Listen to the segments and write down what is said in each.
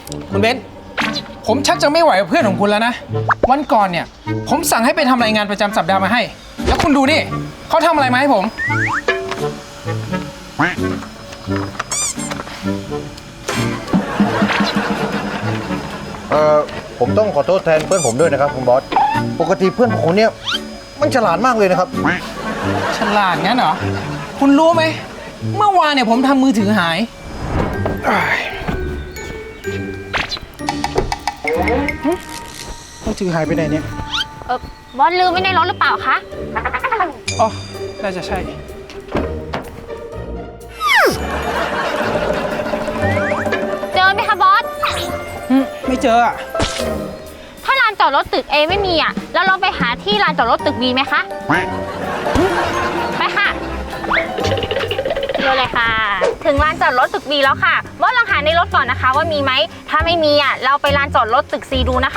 คุณเบนซ์ผมชักจะไม่ไหวกับเพื่อนของคุณแล้วนะ วันก่อนเนี่ยผมสั่งให้ไปทำรายงานประจำสัปดาห์มาให้ แล้วคุณดูนี่เขาทำอะไรมาให้ผมผมต้องขอโทษแทนเพื่อนผมด้วยนะครับคุณบอส ปกติเพื่อนผมเนี่ยมันฉลาดมากเลยนะครับฉลาดงั้นเหรอ คุณรู้ไหม เมื่อวานเนี่ยผมทำมือถือหายมือถือหายไปไหนเนี่ยบอสลืมไว้ในรถหรือเปล่าคะอ๋อ น่าจะใช่เจอไหมคะบอสไม่เจออ่ะถ้าลานจอดรถตึก A ไม่มีอ่ะ แล้วเราไปหาที่ลานจอดรถตึก B ไหมคะ ไปค่ะเร็วเลยค่ะ ถึงลานจอดรถตึก B แล้วค่ะ บอสลองหาในรถก่อนนะคะว่ามีไหม ถ้าไม่มีอ่ะ เราไปลานจอดรถตึก C ดูนะคะ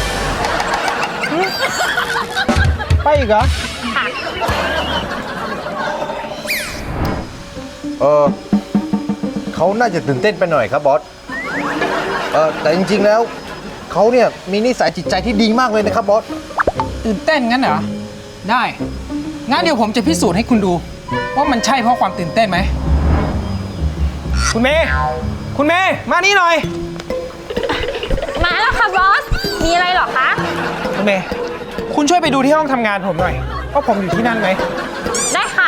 ไปอีกเหรอค่ะเขาน่าจะตื่นเต้นไปหน่อยครับบอส แต่จริงๆแล้วเขาเนี่ยมีนิสัยจิตใจที่ดีมากเลยนะครับบอสตื่นเต้นงั้นเหรอ ได้ งั้นเดี๋ยวผมจะพิสูจน์ให้คุณดู ว่ามันใช่เพราะความตื่นเต้นไหม คุณเมย์ คุณเมย์ มานี่หน่อยมาแล้วค่ะบอส มีอะไรเหรอคะคุณเมย์ คุณช่วยไปดูที่ห้องทำงานผมหน่อยว่าผมอยู่ที่นั่นไหมได้ค่ะ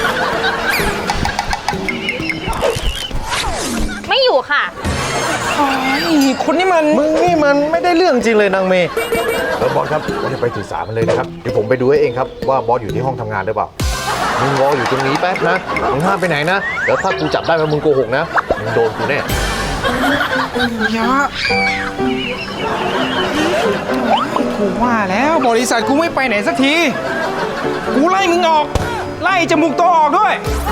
ไม่อยู่ค่ะคุณนี่มันมึงนี่มันไม่ได้เรื่องจริงเลยนางเมย์บอสครับบอสจะไปถือสามันเลยนะครับ เดี๋ยวผมไปดูให้เองครับว่าบอสอยู่ที่ห้องทำงานหรือเปล่า มึงรออยู่ตรงนี้แป๊บนะ มึงห้ามไปไหนนะ เดี๋ยวถ้ากูจับได้ว่ามึงโกหกนะ มึงโดนกูแน่ยะกูว่าแล้วบริษัทกูไม่ไปไหนสักที กูไล่มึงออก ไล่จมูกโตออกด้วย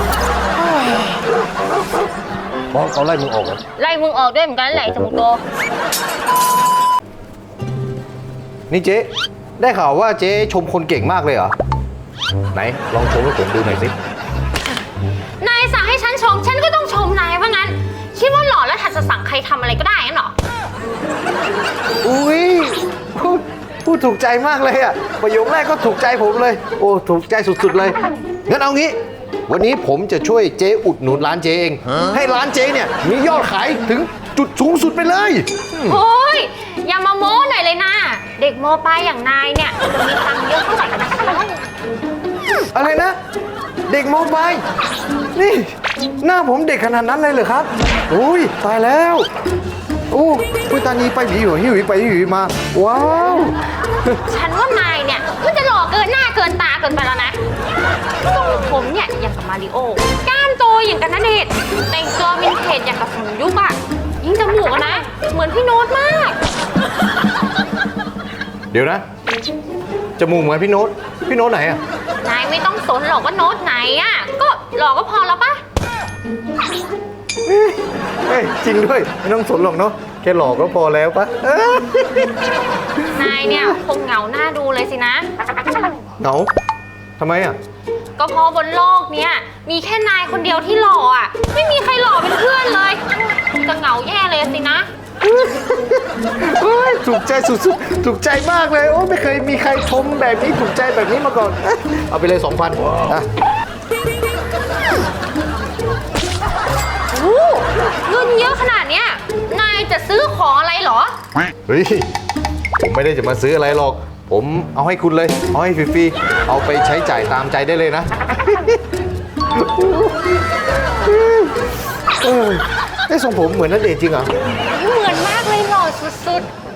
บอสเขาไล่มึงออกเหรอไล่มึงออกด้วยเหมือนกันแหละจมูกโตนี่เจ๊ ได้ข่าวว่าเจ๊ชมคนเก่งมากเลยเหรอ ไหนลองชมให้ผมดูหน่อยสินายสั่งให้ฉันชม ฉันก็ต้องชมนายว่างั้น คิดว่าหล่อแล้วถัดจะสั่งใครทำอะไรก็ได้งั้นเหรออุ้ยพูดถูกใจมากเลยอ่ะ ประโยคแรกก็ถูกใจผมเลย โอ้ถูกใจสุดๆเลย งั้นเอางี้ วันนี้ผมจะช่วยเจ๊อุดหนุนร้านเจ๊เอง ให้ร้านเจ๊เนี่ยมียอดขายถึงจุดสูงสุดไปเลยโอ้ยอย่ามาโม้หน่อยเลยนะ เด็กโมปลายอย่างนายเนี่ยจะมีตังค์เยอะเท่าไหร่กันนะอะไรนะ เด็กมปลายนี่ หน้าผมเด็กขนาดนั้นเลยเหรอครับอุ้ยตายแล้ว โอ้พุตานีไปหวีหัวหิวไปหวีมา ว้าวฉันว่านายเนี่ยมันจะหล่อเกินหน้าเกินตาเกินไปแล้วนะทรงผมเนี่ยอย่างกับมาริโอกล้ามโตอย่างกับณเดชน์แต่งตัววินเทจอย่างกับสนยุคอะยิ่งจมูกอะนะ เหมือนพี่โน้ตมากเดี๋ยวนะ จมูกเหมือนพี่โน้ต พี่โน้ตไหนอ่ะนายไม่ต้องสนหรอกว่าโน้ตไหนอะก็หล่อก็พอแล้วปะเฮ้ยจริงด้วย ไม่ต้องสนหรอกเนาะแค่หลอกก็พอแล้วปะนายเนี่ยคงเหงาหน้าดูเลยสินะเหงาทำไมอ่ะก็เพราะบนโลกเนี้ยมีแค่นายคนเดียวที่หล่ออ่ะ ไม่มีใครหล่อเป็นเพื่อนเลยจะเหงาแย่เลยสินะโอ้ยถูกใจสุดๆ ถูกใจมากเลย โอ้ไม่เคยมีใครชมแบบนี้ถูกใจแบบนี้มาก่อน เอาไปเลย 2,000อ่ะโอ้เงินเยอะขนาดเนี้ยนายจะซื้อของอะไรเหรอเฮ้ย ผมไม่ได้จะมาซื้ออะไรหรอก ผมเอาให้คุณเลย เอาให้ฟรีๆ เอาไปใช้จ่ายตามใจได้เลยนะ ไอ้ทรงผมเหมือนณเดชน์จริงเหรอเหมือนมากเลยหล่อสุด